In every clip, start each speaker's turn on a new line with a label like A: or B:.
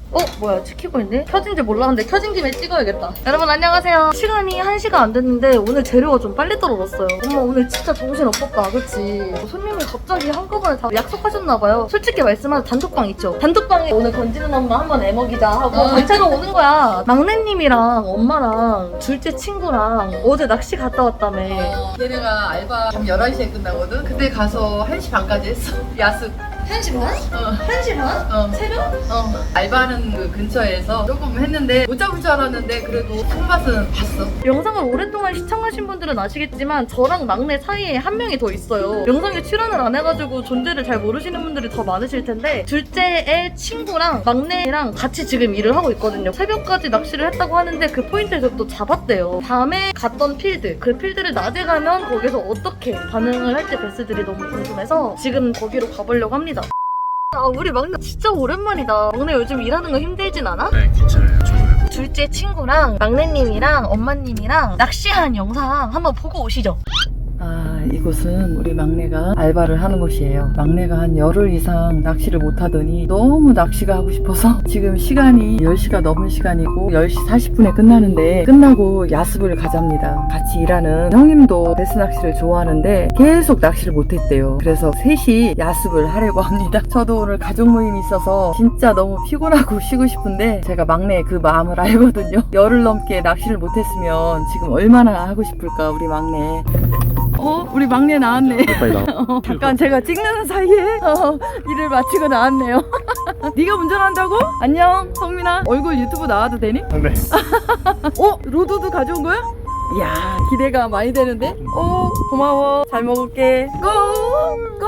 A: 뭐야 찍히고 있네? 켜진지 몰랐는데 켜진 김에 찍어야겠다. 여러분 안녕하세요. 시간이 1시가 안 됐는데 오늘 재료가 좀 빨리 떨어졌어요. 엄마 오늘 진짜 정신 없었다 그치? 손님이 갑자기 한꺼번에 다 약속하셨나봐요. 솔직히 말씀하면 단톡방 있죠? 단톡방에 오늘 건지는 엄마 한번 애먹이자 하고 단체로 오는 거야. 막내님이랑 엄마랑 둘째 친구랑 어제 낚시 갔다 왔다며.
B: 걔네가 알바 밤 11시에 끝나거든? 그때 가서 1시 반까지 했어. 야습.
A: 1시 반? 1시 반? 새벽?
B: 알바하는 그 근처에서 조금 했는데 못 잡을 줄 알았는데 그래도 손맛은 봤어.
A: 영상을 오랫동안 시청하신 분들은 아시겠지만 저랑 막내 사이에 한 명이 더 있어요. 영상에 출연을 안 해가지고 존재를 잘 모르시는 분들이 더 많으실 텐데 둘째의 친구랑 막내랑 같이 지금 일을 하고 있거든요. 새벽까지 낚시를 했다고 하는데 그 포인트에서 또 잡았대요. 밤에 갔던 필드, 그 필드를 낮에 가면 거기서 어떻게 반응을 할지 베스들이 너무 궁금해서 지금 거기로 가보려고 합니다. 우리 막내 진짜 오랜만이다. 막내 요즘 일하는 거 힘들진 않아?
C: 네, 괜찮아요. 좋아요.
A: 둘째 친구랑 막내님이랑 엄마님이랑 낚시한 영상 한번 보고 오시죠.
B: 이곳은 우리 막내가 알바를 하는 곳이에요. 막내가 한 열흘 이상 낚시를 못 하더니 너무 낚시가 하고 싶어서 지금 시간이 10시가 넘은 시간이고 10시 40분에 끝나는데 끝나고 야습을 가잡니다. 같이 일하는 형님도 베스 낚시를 좋아하는데 계속 낚시를 못 했대요. 그래서 셋이 야습을 하려고 합니다. 저도 오늘 가족 모임이 있어서 진짜 너무 피곤하고 쉬고 싶은데 제가 막내의 그 마음을 알거든요. 열흘 넘게 낚시를 못 했으면 지금 얼마나 하고 싶을까 우리 막내. 우리 막내 나왔네.
C: 빨리 나와.
B: 잠깐 제가 찍는 사이에 일을 마치고 나왔네요. 네가 운전한다고? 안녕 성민아. 얼굴 유튜브 나와도 되니?
C: 네.
B: 로드도 가져온 거야? 이야 기대가 많이 되는데? 고마워. 잘 먹을게. 고!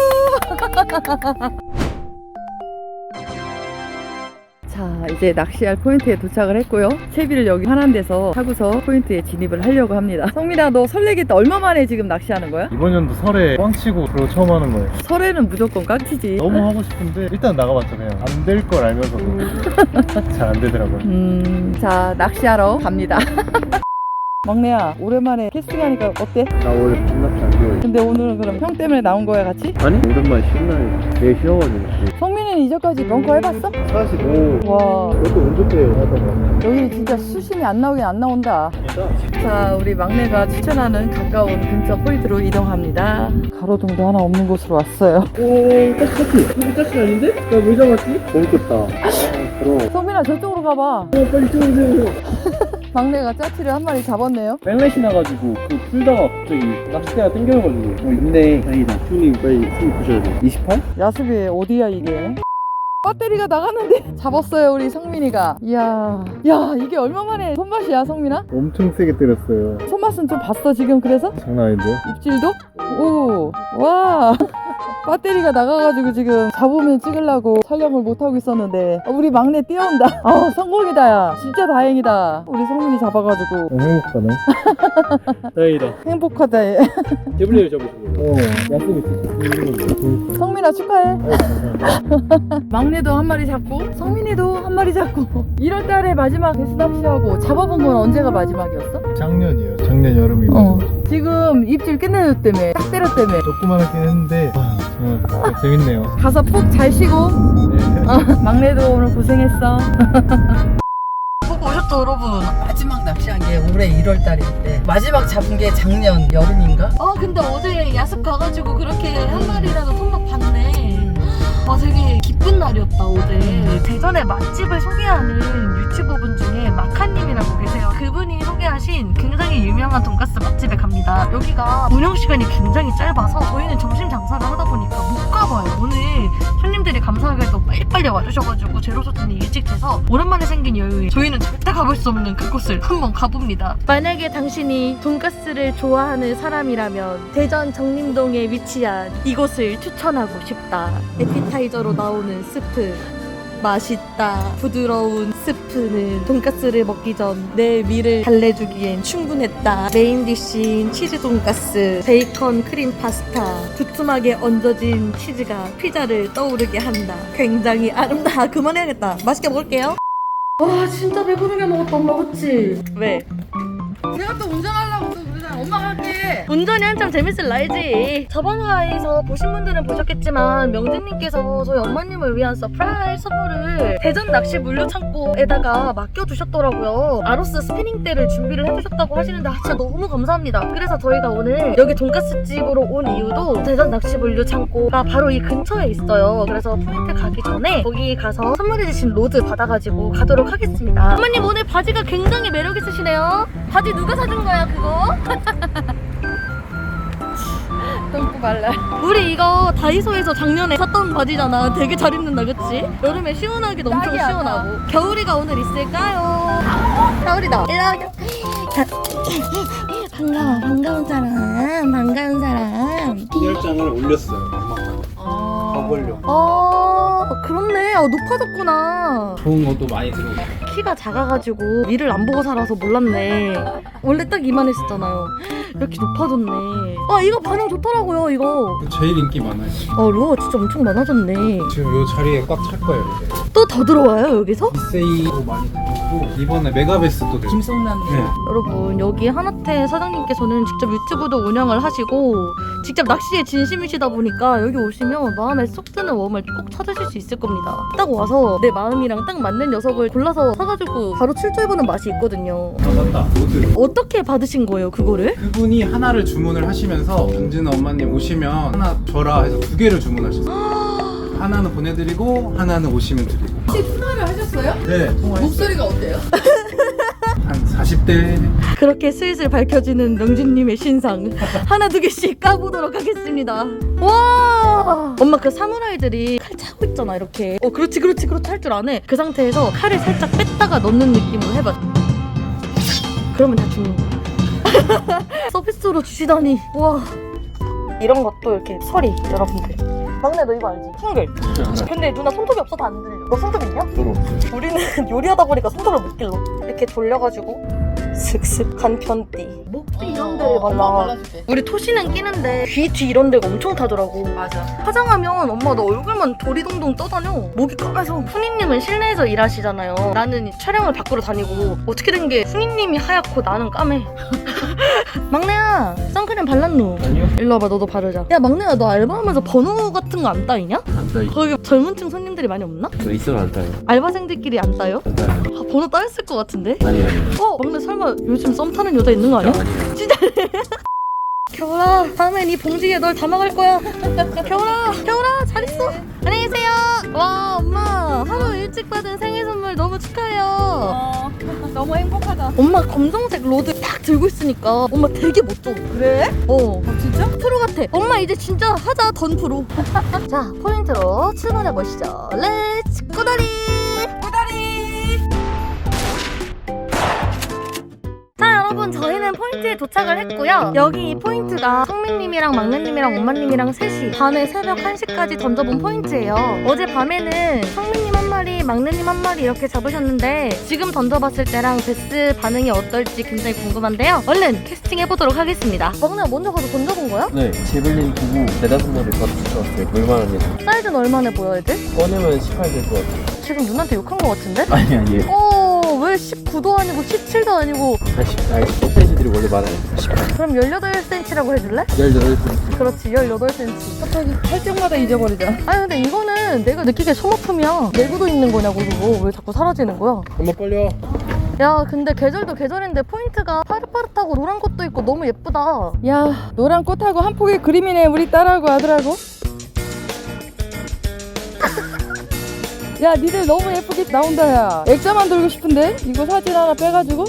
B: 자 이제 낚시할 포인트에 도착을 했고요. 채비를 여기 하나인 데서 타고서 포인트에 진입을 하려고 합니다. 성민아 너 설레겠다. 얼마 만에 지금 낚시하는 거야?
C: 이번 연도 설에 꽝치고 그리고 처음 하는 거예요.
B: 설에는 무조건 깡치지.
C: 너무 하고 싶은데 일단 나가봤잖아요. 안 될 걸 알면서도 잘 안 되더라고요.
B: 자 낚시하러 갑니다. 막내야 오랜만에 캐스팅하니까 어때?
C: 나 원래 반납이 안 돼요.
B: 근데 오늘은 그럼 형 때문에 나온 거야 같이?
C: 아니? 오랜만에 쉬는 날이 되게 쉬어가지고.
B: 성민이는 이전까지 벙커 해봤어?
C: 45.
B: 와
C: 이것도 운전대요 하다가.
B: 여기 진짜 수심이 안 나오긴 안 나온다. 자 우리 막내가 추천하는 가까운 근처 포인트로 이동합니다. 가로등도 하나 없는 곳으로 왔어요.
C: 오, 딱지. 여기 딱지 아닌데? 나 왜 잡았지? 재밌겠다. 그럼.
B: 성민아 저쪽으로 가봐.
C: 빨리 이쪽으로 오세요.
B: 막내가 짜치를 한 마리 잡았네요.
C: 백렛이 나가지고 그 풀다가 갑자기 낚싯대가 땡겨가지고. 근데 다행이다. 형님 빨리 숨 부셔야 돼. 28?
B: 야습이 어디야 이게? 배터리가 나갔는데 잡았어요 우리 성민이가. 이야 야 이게 얼마만에 손맛이야 성민아?
C: 엄청 세게 때렸어요.
B: 손맛은 좀 봤어 지금 그래서?
C: 장난 아닌데요?
B: 입질도? 오 와 배터리가 나가가지고 지금 잡으면 찍으려고 촬영을 못하고 있었는데 우리 막내 뛰어온다. 성공이다 야 진짜 다행이다. 우리 성민이 잡아가지고
C: 행복하네. 다행이다.
B: 행복하다 얘.
C: 태블릿을 잡으시고. 약속이 있어.
B: 성민아 축하해. 막내도 한 마리 잡고 성민이도 한 마리 잡고 1월달에 마지막 베스 낚시하고 잡아본 건 언제가 마지막이었어?
C: 작년이에요. 작년 여름이 마지막.
B: 지금 입질 끝내줬다며 딱 때렸다며.
C: 조그만하긴 했는데 정말 재밌네요.
B: 가서 푹 잘 쉬고.
C: 네.
B: 막내도 오늘 고생했어.
A: 보고 오셨죠 여러분?
B: 마지막 낚시한 게 올해 1월달인데 마지막 잡은 게 작년 여름인가?
A: 근데 어제 야습 가가지고 그렇게 한 마리라도 손맛 봤네. 되게 기쁜 날이었다 어제. 대전의 맛집을 소개하는 유튜버분 중에 마카님이라고 계세요. 그분이 소개하신 굉장히 유명한 돈가스 맛집에 갑니다. 여기가 운영시간이 굉장히 짧아서 저희는 점심 장사를 하다 보니까 못 가봐요. 오늘 손님들이 감사하게도 빨리빨리 와주셔가지고 제로소통이 일찍 돼서 오랜만에 생긴 여유에 저희는 절대 가볼 수 없는 그곳을 한번 가봅니다. 만약에 당신이 돈가스를 좋아하는 사람이라면 대전 정림동에 위치한 이곳을 추천하고 싶다. 에피타이저로 나오는 스프 맛있다. 부드러운 스프는 돈가스를 먹기 전 내 위를 달래주기엔 충분했다. 메인 디쉬인 치즈 돈가스, 베이컨 크림 파스타, 두툼하게 얹어진 치즈가 피자를 떠오르게 한다. 굉장히 아름다워. 그만해야겠다. 맛있게 먹을게요. 와 진짜 배부르게 먹었다 엄마 그치? 왜?
B: 제가 또 운전하려고 또 그러잖아. 엄마가 할게.
A: 운전이 한참 재밌을 나이지. 저번 화에서 보신 분들은 보셨겠지만 명진님께서 저희 엄마님을 위한 서프라이즈 선물을 대전 낚시 물류 창고에다가 맡겨주셨더라고요. 아로스 스피닝대를 준비를 해주셨다고 하시는데 진짜 너무 감사합니다. 그래서 저희가 오늘 여기 돈가스 집으로 온 이유도 대전 낚시 물류 창고가 바로 이 근처에 있어요. 그래서 포인트 가기 전에 거기 가서 선물해주신 로드 받아가지고 가도록 하겠습니다. 어머님 오늘 바지가 굉장히 매력 있으시네요. 바지 누가 사준 거야 그거?
B: 똥꼬 말라.
A: 우리 이거 다이소에서 작년에 샀던 바지잖아. 되게 잘 입는다 그치? 여름에 시원하기도 엄청
B: 딱이야,
A: 시원하고. 겨울이가 오늘 있을까요? 겨울이다. 반가운 사람.
C: 인열장을 올렸어요. 엄마가. 가보려고.
A: 그렇네. 높아졌구나.
C: 좋은 것도 많이 들어오고.
A: 키가 작아가지고 위를 안 보고 살아서 몰랐네. 원래 딱 이만했었잖아요. 이렇게 높아졌네. 이거 반응 좋더라고요 이거.
C: 제일 인기 많아요. 지금.
A: 루어 진짜 엄청 많아졌네.
C: 지금 요 자리에 꽉 찰 거예요 이제.
A: 또 더 들어와요 여기서?
C: 이세이도 많이 들어오고 이번에 메가베스도 들어오고.
B: 김성남.
C: 네.
A: 여러분 여기 하나태 사장님께서는 직접 유튜브도 운영을 하시고 직접 낚시에 진심이시다 보니까 여기 오시면 마음에 쏙 드는 웜을 꼭 찾으실 수 있을 겁니다. 딱 와서 내 마음이랑 딱 맞는 녀석을 골라서 사가지고 바로 출조해보는 맛이 있거든요.
C: 맞다. 로드.
A: 어떻게 받으신 거예요 그거를?
C: 그분이 하나를 주문을 하시면서 강진아 엄마님 오시면 하나 줘라 해서 2개를 주문하셨어요. 하나는 보내드리고 하나는 오시면 드리고.
B: 혹시 통화를 하셨어요?
C: 네. 통화했어요.
B: 목소리가 어때요?
C: 한 40대.
A: 그렇게 슬슬 밝혀지는 명진님의 신상 하나 두 개씩 까보도록 하겠습니다. 와 엄마 그 사무라이들이 칼 차고 있잖아 이렇게. 그렇지 할 줄 아네. 그 상태에서 칼을 살짝 뺐다가 넣는 느낌으로 해봐. 그러면 다 죽는 거야. 서비스로 주시다니. 와 이런 것도 이렇게 서리 여러분들. 막내 너 이거 알지? 풍글. 근데 누나 손톱이 없어서 안 들려. 너 손톱 있냐?
C: 저도 없어요.
A: 우리는 요리하다 보니까 손톱을 못 길러. 이렇게 돌려가지고 슥슥 간편띠 목뒤 이런 데를 발라.
B: 발라줄게.
A: 우리 토시는 끼는데 귀 뒤 이런 데가 엄청 타더라고.
B: 맞아.
A: 화장하면 엄마 너 얼굴만 도리동동 떠다녀. 목이 까매서. 훈이님은 실내에서 일하시잖아요. 나는 이 촬영을 밖으로 다니고 어떻게 된 게 훈이님이 하얗고 나는 까매. 막내야 선크림 발랐노?
C: 아니요.
A: 일로 와봐 너도 바르자. 야 막내야 너 알바하면서 번호 같은 거 안 따이냐?
D: 안 따요.
A: 거기 젊은층 손님들이 많이 없나?
D: 저 있어도 안 따요.
A: 알바생들끼리 안 따요?
D: 안 따요.
A: 번호 따였을 것 같은데?
D: 아니요.
A: 막내 설마 요즘 썸 타는 여자 있는 거 아니야?
D: 아니요.
A: 겨울아 다음엔 이 봉지에 널 담아갈 거야. 겨울아 잘 있어. 안녕히 계세요. 와 엄마 하루 일찍 받은 생일 선물 너무 축하해요.
B: 너무 행복하다.
A: 엄마 검정색 로드 딱 들고 있으니까 엄마 되게 멋져.
B: 그래?
A: 진짜? 프로 같아. 엄마 이제 진짜 하자 던 프로. 자 포인트로 출발해 보시죠. 렛츠 꼬다리. 자 여러분 저희는 포인트에 도착을 했고요. 여기 이 포인트가 성민님이랑 막내님이랑 엄마님이랑 셋이 밤에 새벽 1시까지 던져본 포인트예요. 어제 밤에는 성민님 한 마리 막내님 한 마리 이렇게 잡으셨는데 지금 던져봤을 때랑 베스 반응이 어떨지 굉장히 궁금한데요. 얼른 캐스팅해보도록 하겠습니다. 막내가 먼저 가서 던져본 거야?
D: 네, 제블린 보고 4-5마리 바로 붙여왔어요. 물만한 애.
A: 사이즈는 얼마나 보여 애들?
D: 꺼내면 18 될 것 같아요.
A: 지금 누나한테 욕한 거 같은데?
D: 아니에요.
A: 왜 19도 아니고 17도 아니고
D: 10cm들이 원래 많아요. 18.
A: 그럼 18cm라고 해줄래?
D: 18cm.
A: 그렇지 18cm.
B: 갑자기 할 때마다 잊어버리자.
A: 아니 근데 이거는 내가 느끼기에 소모품이야. 내구도 있는 거냐고 그거. 왜 자꾸 사라지는 거야?
C: 엄마 빨리 와.
A: 야 근데 계절도 계절인데 포인트가 파릇파릇하고 노란 것도 있고 너무 예쁘다.
B: 야 노란 꽃하고 한 폭의 그림이네 우리 딸하고 아들하고. 야 니들 너무 예쁘게 나온다 야. 액자만 들고 싶은데 이거 사진 하나 빼가지고.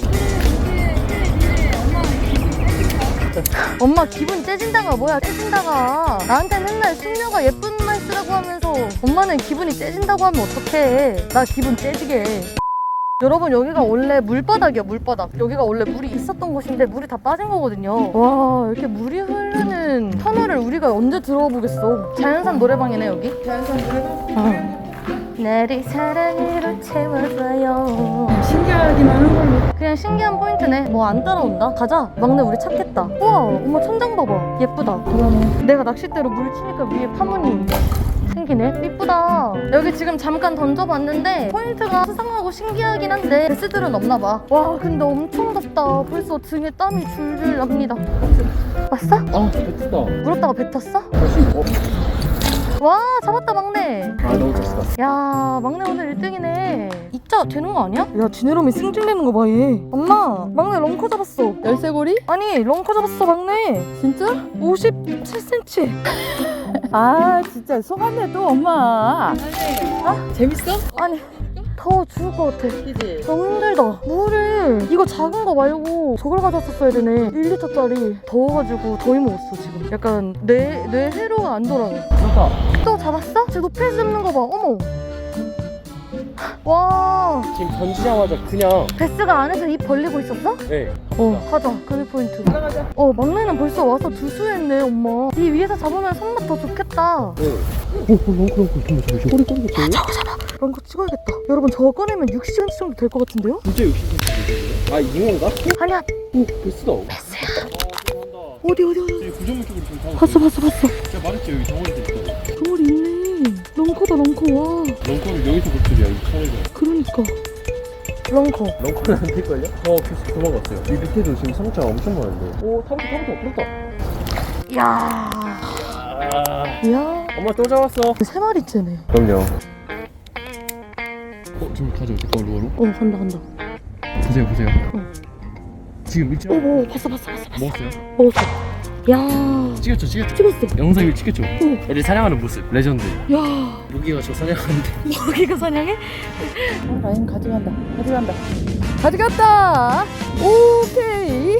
A: 엄마 기분 째진다가 뭐야 째진다가. 나한테 맨날 숙녀가 예쁜 말 쓰라고 하면서 엄마는 기분이 째진다고 하면 어떡해. 나 기분 째지게 해. 여러분 여기가 원래 물바닥이야 물바닥. 여기가 원래 물이 있었던 곳인데 물이 다 빠진 거거든요. 와 이렇게 물이 흐르는 터널을 우리가 언제 들어와 보겠어. 자연산 노래방이네 여기.
B: 자연산 노래방.
A: 나를 사랑으로 채워줘요.
B: 신기하기만 한 걸로.
A: 그냥 신기한 포인트네. 뭐 안 따라온다. 가자. 막내 우리 찾겠다. 우와 엄마 천장 봐봐. 예쁘다.
B: 그러네.
A: 내가 낚싯대로 물 치니까 위에 파문이 생겨. 대박이네. 이쁘다. 여기 지금 잠깐 던져봤는데 포인트가 수상하고 신기하긴 한데 베스들은 없나봐. 와 근데 엄청 덥다. 벌써 등에 땀이 줄줄 납니다. 왔어?
D: 아 뱉었다.
A: 물었다가 뱉었어?
D: 다시
A: 와 잡았다 막내.
D: 아 너무 졌어.
A: 야 막내 오늘 1등이네. 입자 되는 거 아니야? 야 지네롬이 승질내는 거 봐 얘. 엄마 막내 런커 잡았어.
B: 열쇠고리?
A: 아니 런커 잡았어 막내.
B: 진짜?
A: 57cm.
B: 아 진짜 속았네 또 엄마. 재밌어?
A: 아니 더워 죽을 것 같아.
B: 그지?
A: 너무 힘들다. 물을 이거 작은 거 말고 저걸 가져왔었어야 되네. 1리터짜리. 더워가지고 더위 먹었어 지금. 약간 뇌 회로가 안 돌아가.
D: 그렇다.
A: 또 잡았어? 지금 높이에서 잡는 거 봐. 어머. 와
D: 지금 던지자마자 그냥
A: 베스가 안에서 입 벌리고 있었어?
D: 네.
A: 가자. 금이 포인트.
B: 들어가자.
A: 막내는 벌써 와서 두수했네 엄마. 이 위에서 잡으면 손맛 더 좋겠다.
D: 네. 렁크 잠깐만. 꼬리
A: 잡아. 런커 찍어야겠다. 여러분 저거 꺼내면 60cm 정도 될 것 같은데요?
D: 진짜 60cm. 아 잉어인가?
A: 아니야.
D: 오 베스다.
A: 어디?
D: 구조물 쪽으로 좀 가고.
A: 봤어.
D: 제가 말했죠 여기 덩어리도 있어.
A: 덩어리 있네. 런커다 런커. 와.
D: 렁커를 여기서 볼 줄이야 이 차례가.
A: 그러니까. 런커.
D: 렁커는 안 될걸요? 계속 도망갔어요. 이 밑에도 지금 상처가 엄청 많은데. 오 타부터.
A: 이야. 이야.
D: 엄마 또 잡았어.
A: 3마리째네.
D: 그럼요. 지금 가져올게 루어로.
A: 간다.
D: 보세요.
A: 응.
D: 지금 일찍
A: 봤어.
D: 먹었어요?
A: 먹었어. 야.
D: 찍었죠.
A: 찍었어.
D: 영상을 찍혔죠.
A: 응.
D: 애들 사냥하는 모습 레전드.
A: 야.
D: 무기가 저 사냥하는데.
A: 여기가 사냥해?
B: 라인 가져갔다. 오케이.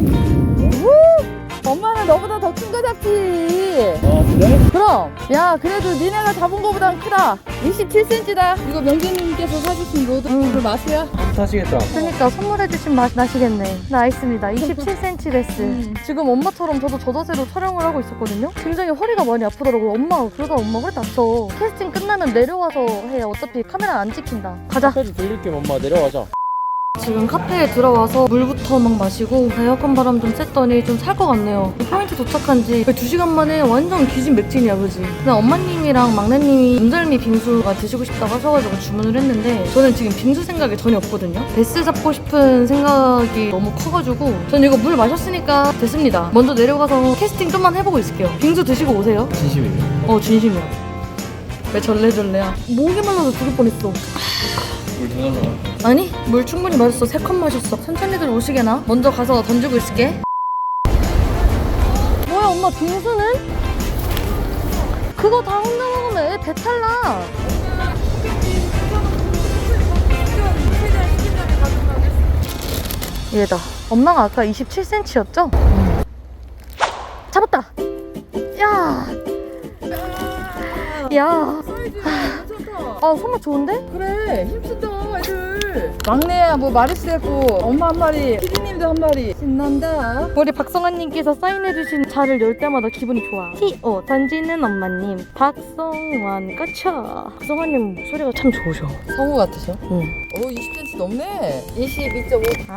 B: 엄마는 너보다 더 큰 거 잡지.
D: 아 그래?
B: 그럼. 야 그래도 니네가 잡은 거보단 크다. 27cm다. 이거 명재님께서 사주신 로드 맛이야?
D: 타시겠다.
A: 그러니까 선물해주신 맛 나시겠네. 나있습니다. 27cm 베스. 지금 엄마처럼 저도 저 자세로 촬영을 하고 있었거든요. 굉장히 허리가 많이 아프더라고요. 그러다 엄마 허리 다쳐. 캐스팅 끝나면 내려와서 해. 어차피 카메라 안 찍힌다. 가자.
D: 카페도 들릴게 엄마 내려가자.
A: 지금 카페에 들어와서 물부터 막 마시고 에어컨 바람 좀 쐈더니 좀 살 것 같네요. 포인트 도착한 지 2시간 만에 완전 기진맥진이야 그지? 그냥 엄마님이랑 막내님이 운절미 빙수가 드시고 싶다고 하셔가지고 주문을 했는데 저는 지금 빙수 생각이 전혀 없거든요. 베스 잡고 싶은 생각이 너무 커가지고 전 이거 물 마셨으니까 됐습니다. 먼저 내려가서 캐스팅 좀만 해보고 있을게요. 빙수 드시고 오세요.
D: 진심이에요.
A: 진심이야. 왜 절레절레야? 목이 말라서 죽을 뻔했어.
D: 물 더 달라.
A: 아니 물 충분히 마셨어. 3컵 마셨어. 천천히들 오시게나. 먼저 가서 던지고 있을게. 뭐야 엄마 빙수는? 그거 다 혼자 먹으면 애 배탈 나. 얘다. 엄마가 아까 27cm였죠? 잡았다. 야 손맛 좋은데?
B: 그래 힘쓰다 애들. 막내야 뭐 마리스 했고 엄마 한 마리 피디님도 한 마리. 신난다.
A: 우리 박성환님께서 사인해주신 자를 열 때마다 기분이 좋아. T.O. 던지는 엄마님 박성환 까차. 박성환님 목소리가 참 좋으셔.
B: 성우 같으셔?
A: 응.
B: 오 20cm 넘네. 22.5.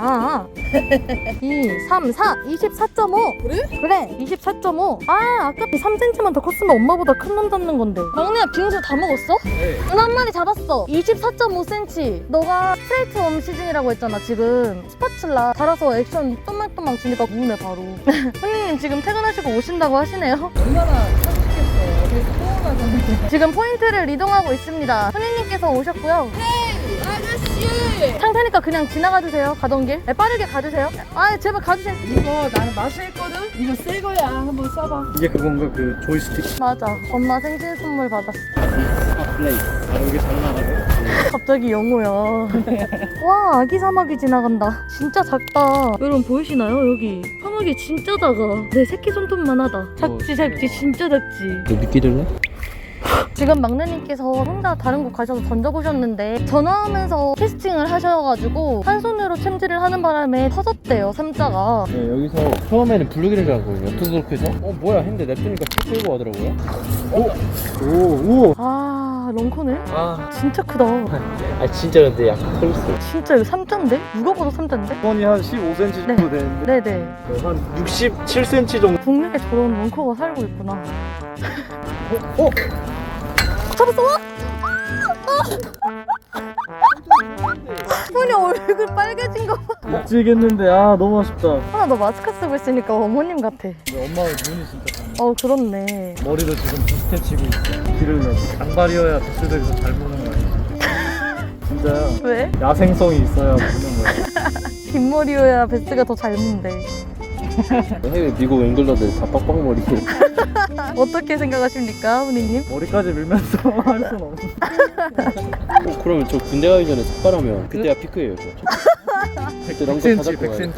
A: 2, 3, 4, 24.5.
B: 그래?
A: 24.5. 아까 3cm만 더 컸으면 엄마보다 큰 놈 잡는 건데. 막내야 빙수 다 먹었어?
D: 네.
A: 한 마리 잡았어. 24.5cm. 너가 스트레이트 웜 시즌이라고 했잖아 지금. 스파츌라 달아서 액션 또망또망 주니까 무네 바로. 손님 지금 퇴근하시고 오신다고 하시네요.
B: 얼마나 사주시겠어. 되게 서운하잖아.
A: 지금 포인트를 이동하고 있습니다. 손님님께서 오셨고요.
B: 아저씨.
A: 상태니까 그냥 지나가 주세요. 가던 길. 빠르게 가주세요. 제발 가주세요.
B: 이거 나는 마수했거든? 이거 새 거야. 한번 써봐.
D: 이게 그건가 그 조이스틱.
A: 맞아. 엄마 생신 선물 받았어.
D: 플레이. 여기 잘 나가네.
A: 갑자기 영호야. 와 아기 사마귀 지나간다. 진짜 작다. 여러분 보이시나요? 여기 사마귀 진짜 작아. 내 새끼 손톱만 하다. 작지 진짜 작지.
D: 너 미끼 들래?
A: 지금 막내님께서 혼자 다른 곳 가셔서 던져보셨는데 전화하면서 캐스팅을 하셔가지고 한 손으로 챔질을 하는 바람에 터졌대요 3자가.
D: 네, 여기서 처음에는 블루기를 잡았거든요. 투스로크 해서 뭐야 했는데 냅두니까 쭉 끌고 가더라고요. 오.
A: 런커네? 진짜 크다.
D: 진짜 근데 약간 털 있어.
A: 진짜 이거 3자인데? 누가 봐도 3자인데?
D: 선이 한 15cm 정도 되는데
A: 네네.
D: 한 67cm 정도.
A: 국내에 저런 런커가 살고 있구나. 잡았어? 손이 얼굴 빨개진 거 봐.
D: 미치겠는데 아 너무 아쉽다.
A: 하나 너 마스크 쓰고 있으니까 어머님 같아.
D: 엄마가 눈이 진짜 잘
A: 그렇네.
D: 머리도 지금 비슷해 치고 있어. 길을 내. 장발이어야 베스트에서 잘 보는 거야. 진짜야.
A: 왜?
D: 야생성이 있어야 보는 거야.
A: 긴 머리여야 베스가 더 잘 문대.
D: 해외 미국 앵글러들 다 빡빡머리고
A: 어떻게 생각하십니까, 훈이님?
D: 머리까지 밀면서 할 수는 없어. 그러면 저 군대 가기 전에 삭발하면 그때가 피크예요. 그때 랑도 다 잡고 가야겠다.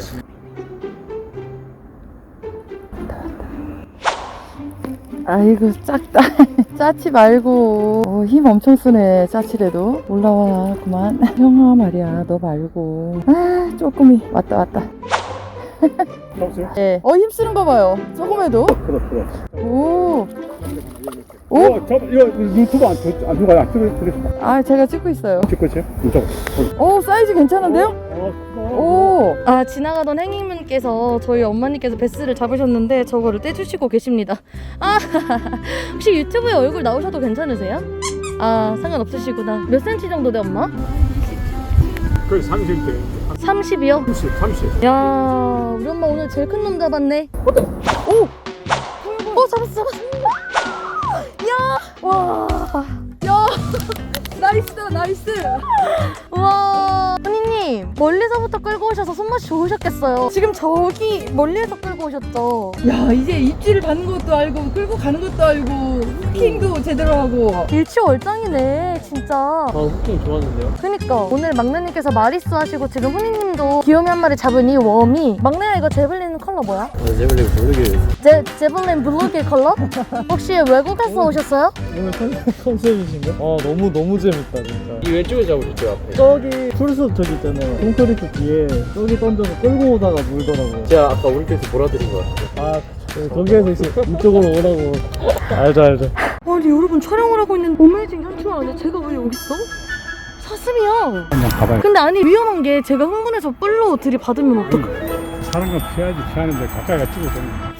B: 아이고 작다. 짜치 말고 힘 엄청 쓰네. 짜치래도 올라와 그만. 형아 말이야 너 말고. 아 쪼꼬미 왔다.
D: 잡으세요?
B: 예. 힘쓰는 거 봐요. 조금 해도.
D: 그래.
B: 오.
D: 이거 유튜브 안 누가 안 찍고
B: 아 제가 찍고 있어요.
D: 찍고 있어요? 이쪽.
B: 오 사이즈 괜찮은데요? 오.
A: 지나가던 행인분께서 저희 엄마님께서 베스를 잡으셨는데 저거를 떼주시고 계십니다. 혹시 유튜브에 얼굴 나오셔도 괜찮으세요? 상관없으시구나. 몇 센치 정도 돼, 엄마?
E: 거의 30대
A: 30이요?
E: 30
A: 야, 우리 엄마 오늘 제일 큰 놈 잡았네. 오! 잡았어. 야! 와. 야! 나이스. 우와. 훈이님, 멀리서부터 끌고 오셔서 손맛이 좋으셨겠어요. 지금 저기 멀리에서 끌고 오셨죠?
B: 야 이제 입질을 받는 것도 알고 끌고 가는 것도 알고 후킹도 제대로 하고.
A: 일취월장이네, 진짜.
D: 후킹 좋았는데요?
A: 그니까 오늘 막내님께서 마리수 하시고 지금 훈이님도 귀요미 한 마리 잡은 이 웜이. 막내야, 이거 제블린 컬러 뭐야?
D: 제블린 모르게
A: 제블린 블루길 컬러? 혹시 외국에서 오셨어요?
D: 오늘 컨셉이신가? 너무 재밌다 진짜. 이 왼쪽에 잡으셨죠 앞에?
E: 저기 풀숲 저기 있잖아요 콘크리트 뒤에 저기 던져서 끌고 오다가 물더라고요.
D: 제가 아까 오른쪽에서 몰아드린 것 같아요.
E: 거기에서 이제 이쪽으로 오라고. 알죠
A: 아니 여러분, 촬영을 하고 있는 어메이징 현충 안에 제가 왜 여기 있어? 사슴이야.
E: 그냥 가봐요.
A: 근데 아니 위험한 게 제가 흥분해서 뿔로 들이받으면 어떡해.
E: 사는 건 피하는데 가까이가 찍어서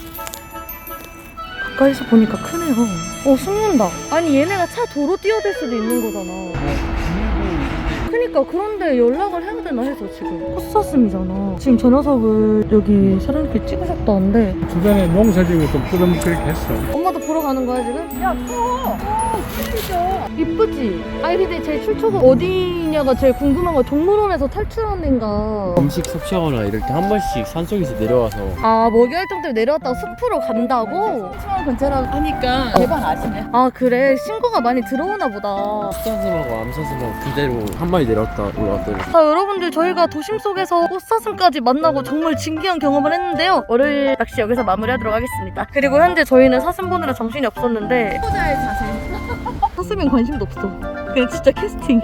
A: 가까이서 보니까 크네요. 숨는다. 아니 얘네가 차 도로 뛰어들 수도 있는 거잖아. 그니까 그런데 연락을 해야 되나 해서 지금 헛사슴이잖아. 지금 저 녀석을 여기 사람들이 찍으셨다는데
E: 주변에 농사지고 좀 부담스럽게 했어.
A: 엄마도 보러 가는 거야 지금? 야 커! 이쁘지? 아니 근데 제 출처가 어디냐가 제일 궁금한 거야. 동물원에서 탈출한 애인가.
D: 음식 섭취하거나 이럴 때 한 번씩 산속에서 내려와서
A: 먹이 활동 때문에 내려왔다가 숲으로 간다고?
B: 수원 근처라고 하니까 대박 아시네.
A: 그래, 신고가 많이 들어오나 보다.
D: 숫사슴하고 암사슴하고 그대로 한 마리 내려왔다 올라왔더니
A: 여러분들, 저희가 도심 속에서 꽃사슴까지 만나고 정말 진기한 경험을 했는데요. 월요일 낚시 여기서 마무리하도록 하겠습니다. 그리고 현재 저희는 사슴 보느라 정신이 없었는데
B: 후자의 자세.
A: 사슴엔 관심도 없어. 그냥 진짜 캐스팅.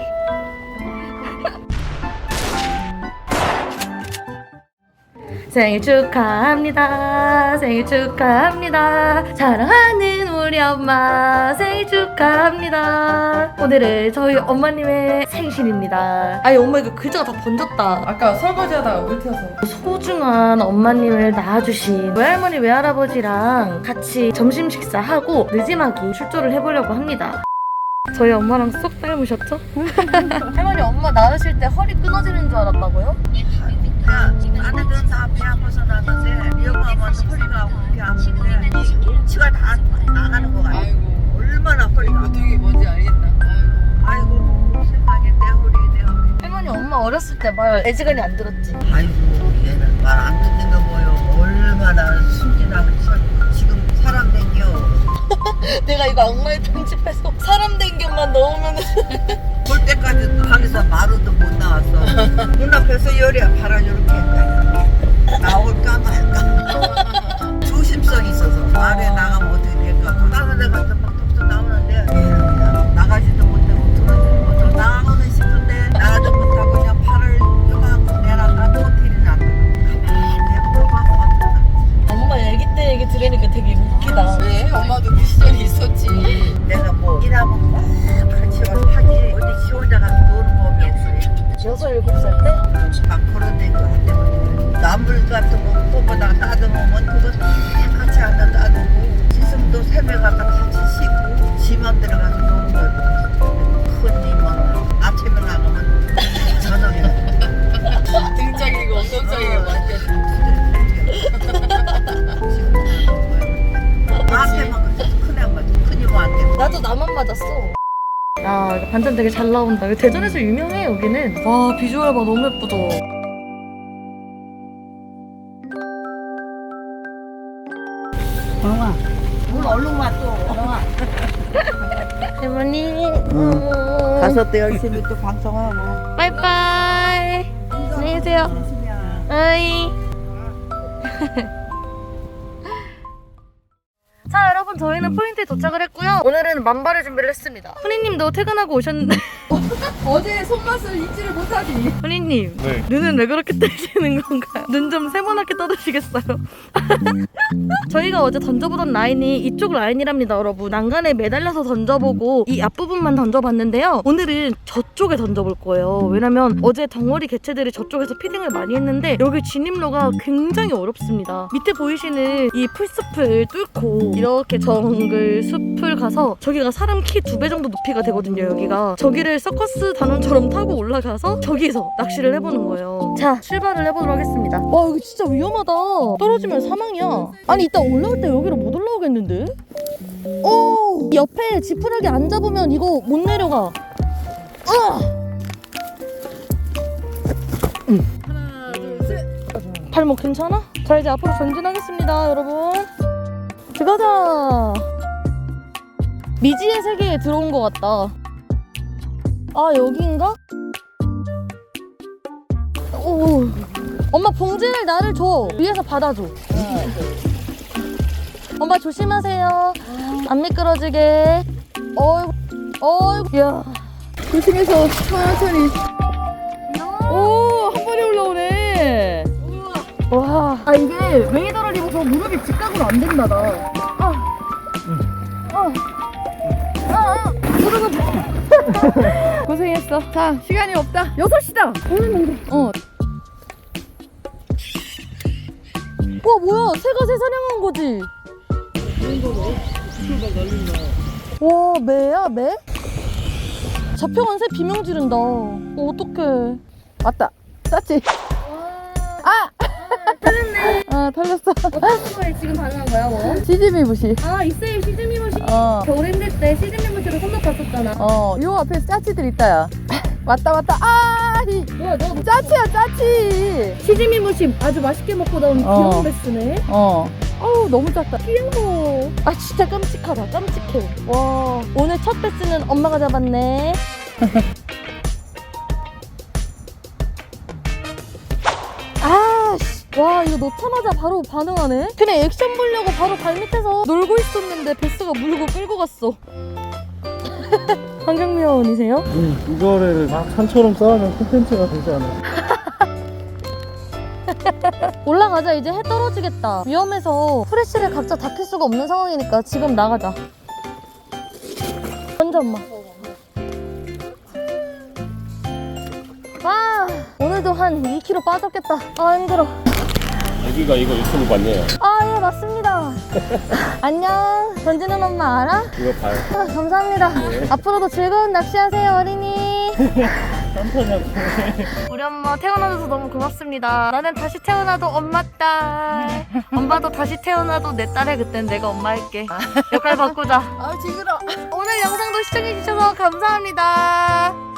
A: 생일 축하합니다. 생일 축하합니다. 사랑하는 우리 엄마 생일 축하합니다. 오늘은 저희 엄마님의 생신입니다. 아니 엄마 이거 글자가 다 번졌다.
B: 아까 설거지하다가 물 튀어서.
A: 소중한 엄마님을 낳아주신 외할머니 외할아버지랑 같이 점심 식사하고 느지막이 출조를 해보려고 합니다. 저희 엄마랑 쏙 닮으셨죠? 할머니 엄마 낳으실 때 허리 끊어지는 줄 알았다고요?
F: 아내들은 다 배 아파서 나는데 이 엄마만 허리가 그렇게 아픈데 치가 다 나가는 거 같아. 얼마나 허리가 아파.
B: 어떻게 뭔지 알겠다.
F: 아이고 세상에 내 허리.
A: 할머니 엄마 어렸을 때 말 애지간히 안 들었지?
F: 아이고 얘는 말 안 듣는 거 뭐요. 얼마나 순진하고 지금 사람 댕겨.
A: 내가 이거 악마의 편집해서 사람 댕경만 넣으면
F: 볼 때까지 방에서 마루도 못 나왔어. 눈앞에서 열이야 바람 이렇게 나올까 말까. 조심성이 있어서 마루에 나가면 어떻게 될까. 다른 애 같은 막 톡톡 나오는데 얘는 그냥 나가지도 못하고 들어지도 못하고 나오는 싶은데 나가도 못하고 그냥 팔을 요만큼 내놨다 호텔이 안 가만히 보고
A: 엄마 얘기 때 얘기 들으니까 되게 웃기다.
B: 왜? 엄마도 그 시절이 있었지.
F: 내가 뭐 일하면 막 같이 와서 하지 어디 지 혼자 가서 노는 법이 없어.
A: 6, 7살 때?
F: 막 걸어다니고 한대면 나물 같은 거 뽑아다가 따듬으면 그거 다 같이 앉아 따듬고 씻을 아침도 새벽 가서 같이 씻고 지만 들어가서 노는 거예요. 큰 님은 아침에 나가면 저녁에
B: 등짝이고 엉덩짝이고
F: 나한테만 그래서 큰 애만 큰 이모한테.
A: 나도 나만 맞았어. 야, 이거 반찬 되게 잘 나온다. 대전에서 유명해, 여기는. 와, 비주얼 봐, 너무 예쁘죠?
F: 영아, 물 얼른 와 또. 영아.
A: 할머니.
F: 가서 또 열심히 또 방송하고.
A: 빠이빠이. 안녕히 계세요. 어이. 자, 여러분, 저희는 포인트에 도착을 했고요. 오늘은 만발의 준비를 했습니다. 훈이님도 퇴근하고 오셨는데.
B: 어제 손맛을 잊지를 못하지.
A: 훈이님,
D: 네.
A: 눈은 왜 그렇게 뜨시는 건가요? 눈 좀 세모나게 떠주시겠어요? 저희가 어제 던져보던 라인이 이쪽 라인이랍니다, 여러분. 난간에 매달려서 던져보고 이 앞부분만 던져봤는데요. 오늘은 저쪽에 던져볼 거예요. 왜냐면 어제 덩어리 개체들이 저쪽에서 피딩을 많이 했는데 여기 진입로가 굉장히 어렵습니다. 밑에 보이시는 이 풀숲을 뚫고 이렇게 정글 숲을 가서 저기가 사람 키 2배 정도 높이가 되거든요, 여기가. 저기를 서커스 단원처럼 타고 올라가서 저기서 낚시를 해보는 거예요. 자, 출발을 해보도록 하겠습니다. 와, 여기 진짜 위험하다. 떨어지면 사망이야. 아니, 이따 올라올 때 여기로 못 올라오겠는데? 오! 옆에 지푸라기 안 잡으면 이거 못 내려가.
B: 하나, 둘, 셋.
A: 발목 괜찮아? 자, 이제 앞으로 전진하겠습니다, 여러분. 들어가자. 미지의 세계에 들어온 것 같다. 아, 여기인가? 오, 엄마 봉지를 나를 줘. 위에서 받아줘. 엄마 조심하세요. 안 미끄러지게. 어이구, 야.
B: 조심해서 천천히. 오, 한 번에 올라오네.
A: 와. 아, 이게 웨이더를 입어서 무릎이 직각으로 안 된다, 나.
B: 고생했어. 자, 시간이 없다. 6시다. 어.
A: 와, 뭐야, 새가 새 사냥한 거지? 와, 매야, 매? 잡혀간 새 비명 지른다. 어떡해.
B: 왔다. 쌌지? 아!
A: 털렸네.
B: 아, 털렸어.
A: 어떤 거에 지금 반응한 거야, 뭐?
B: 시즈미 부시.
A: 아, 이쌤 시즈미무시.
B: 어.
A: 겨울 힘들 때 시즈미무시로 손목 봤었잖아.
B: 요 앞에 짜치들 있다야. 왔다. 아,
A: 뭐야, 너
B: 짜치야, 짜치.
A: 시즈미무시 아주 맛있게 먹고 나온 귀여운 베스네.
B: 어우, 너무 작다.
A: 귀여워. 아, 진짜 깜찍하다. 깜찍해. 와, 오늘 첫 베스는 엄마가 잡았네. 아, 씨. 와, 이거 넣자마자 바로 반응하네? 그냥 액션 보려고 바로 발밑에서 놀고 있었는데 베스가 물고 끌고 갔어. 환경미화원이세요?
E: 이거를 막 산처럼 쌓으면 콘텐츠가 되지 않아요?
A: 올라가자. 이제 해 떨어지겠다. 위험해서 프레쉬를 각자 다 켤 수가 없는 상황이니까 지금 나가자. 먼저 엄마. 아, 오늘도 한 2kg 빠졌겠다. 아, 힘들어.
D: 여기가 이거 유튜브 맞네요.
A: 아, 예, 맞습니다. 안녕. 던지는 엄마 알아?
D: 이거 봐요.
A: 아, 감사합니다. 앞으로도 즐거운 낚시하세요, 어린이. 우리 엄마 태어나줘서 너무 고맙습니다. 나는 다시 태어나도 엄마 딸. 엄마도 다시 태어나도 내 딸에 그땐 내가 엄마 할게. 역할 바꾸자.
B: 아, 징그러.
A: 오늘 영상도 시청해주셔서 감사합니다.